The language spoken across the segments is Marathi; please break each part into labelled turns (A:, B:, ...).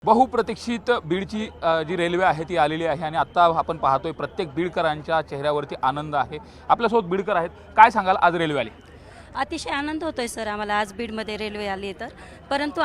A: बहुप्रतीक्षित बीडची जी रेल्वे आहे ती आलेली आहे आणि आत्ता आपण पाहतोय प्रत्येक बीडकरांच्या चेहऱ्यावरती आनंद आहे। आपल्यासोबत बीडकर आहेत, काय सांगाल आज रेल्वे आली?
B: अतिशय आनंद होतोय सर आम्हाला आज बीडमध्ये रेल्वे आली तर, परंतु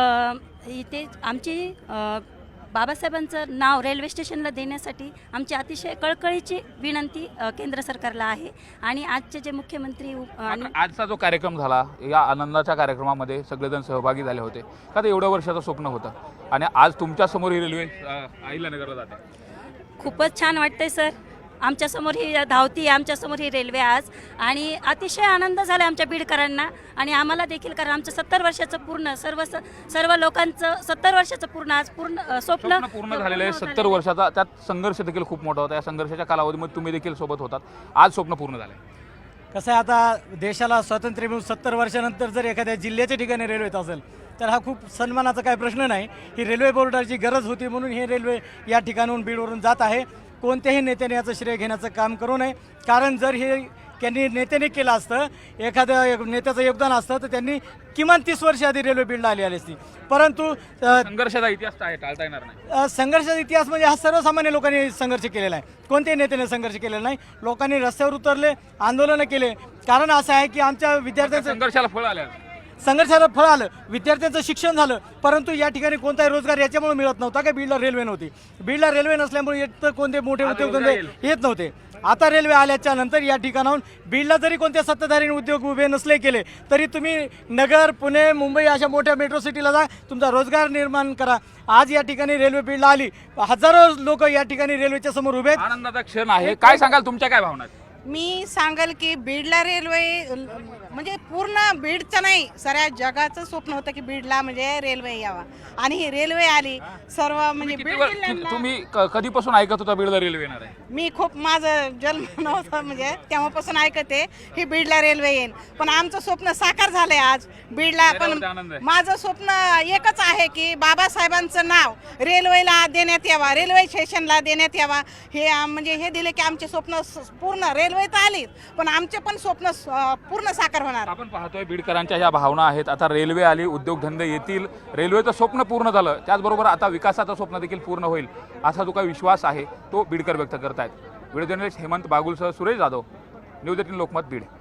B: इथे आमची बाबासाहेबांचं नाव रेल्वे स्टेशनला देण्यासाठी आमची अतिशय कळकळीची विनंती केंद्र सरकारला आहे। आणि आजचे जे मुख्यमंत्री
A: आजचा जो कार्यक्रम झाला, या आनंदाच्या कार्यक्रमामध्ये सगळेजण सहभागी झाले होते का? ते एवढ्या वर्षाचं स्वप्न होतं आणि आज तुमच्या समोर ही रेल्वे अहिल्यानगरला जाते।
B: खूपच छान वाटतंय सर, आमच्यासमोर ही धावती, आमच्यासमोर ही रेल्वे आज, आणि अतिशय आनंद झाला आमच्या बीडकरांना आणि आम्हाला देखील, कारण आमचं 70 वर्षाचं पूर्ण सर्व लोकांचं 70 वर्षाचं पूर्ण आज स्वप्न
A: पूर्ण झालेलं आहे। 70 वर्षाचा त्यात संघर्ष देखील खूप मोठा होता। या संघर्षाच्या कालावधीमध्ये तुम्ही देखील सोबत होतात, आज स्वप्न पूर्ण झालं आहे।
C: कसं आहे, आता देशाला स्वातंत्र्य मिळून 70 वर्षानंतर जर एखाद्या जिल्ह्याच्या ठिकाणी रेल्वे येत असेल तर हा खूप सन्मानाचा काही प्रश्न नाही। ही रेल्वे बोर्डाची गरज होती म्हणून हे रेल्वे या ठिकाणाहून बीडवरून जात आहे। कोणत्याही नेत्याने याचं श्रेय घेण्याचं काम करू नये, कारण जर हे त्यांनी नेत्याने केलं असतं, एखाद्या नेत्याचं योगदान असतं तर त्यांनी किमान 30 वर्ष आधी रेल्वे बीडला आली असती। परंतु
A: संघर्षाचा इतिहास आहे, टाळता येणार नाही।
C: संघर्षाचा इतिहास म्हणजे हा सर्वसामान्य लोकांनी संघर्ष केलेला आहे, कोणत्याही नेत्याने संघर्ष केलेला नाही। लोकांनी रस्त्यावर उतरले, आंदोलनं केले, कारण असं आहे की आमच्या विद्यार्थ्यांचं
A: संघर्षाला फळ आलं,
C: संघर्षाला फळ आलं, विद्यार्थ्यांचं शिक्षण झालं, परंतु या ठिकाणी कोणताही रोजगार याच्यामुळे मिळत नव्हता का बीडला रेल्वे नव्हती। बीडला रेल्वे नसल्यामुळे येत कोणते मोठे उद्योगधंदे येत नव्हते। आता रेल्वे आल्याच्या नंतर या ठिकाणाहून बीडला जरी कोणत्या सत्ताधारी उद्योग उभे नसले केले तरी तुम्ही नगर, पुणे, मुंबई अशा मोठ्या मेट्रो सिटीला जा, तुमचा रोजगार निर्माण करा। आज या ठिकाणी रेल्वे बीडला आली, हजारो लोक या ठिकाणी रेल्वेच्या समोर उभे आहेत।
A: आनंदाचा क्षण आहे। काय सांगाल, तुमच्या काय भावना आहेत?
D: मी सांगाल की बीडला रेल्वे म्हणजे पूर्ण बीडचं नाही, साऱ्या जगाचं स्वप्न होतं की बीडला म्हणजे रेल्वे यावा, आणि ही रेल्वे आली सर्व म्हणजे बीड जिल्ह्याला।
A: तुम्ही कधीपासून ऐकत होता बीडला रेल्वे येणार आहे?
D: मी खूप, माझं जन्म नव्हतं म्हणजे तेव्हापासून ऐकते ही बीडला रेल्वे येईल, पण आमचं स्वप्न साकार झालंय आज बीडला। पण माझं स्वप्न एकच आहे की बाबासाहेबांचं नाव रेल्वेला देण्यात यावा, रेल्वे स्टेशनला देण्यात यावा। हे म्हणजे हे दिले की आमचे स्वप्न पूर्ण, रेल्वे तर आलीच पण आमचे पण स्वप्न पूर्ण साकार होणार।
A: आपण पाहतोय बीडकरांच्या ह्या भावना आहेत। आता रेल्वे आली, उद्योगधंदे येतील, रेल्वेचं स्वप्न पूर्ण झालं, त्याचबरोबर आता विकासाचं स्वप्न देखील पूर्ण होईल असा जो काही विश्वास आहे तो बीडकर व्यक्त करतायत। व्हिडिओ जर्नलिस्ट हेमंत बागुलसह सुरेश जाधव, न्यूज 18 लोकमत, बीड।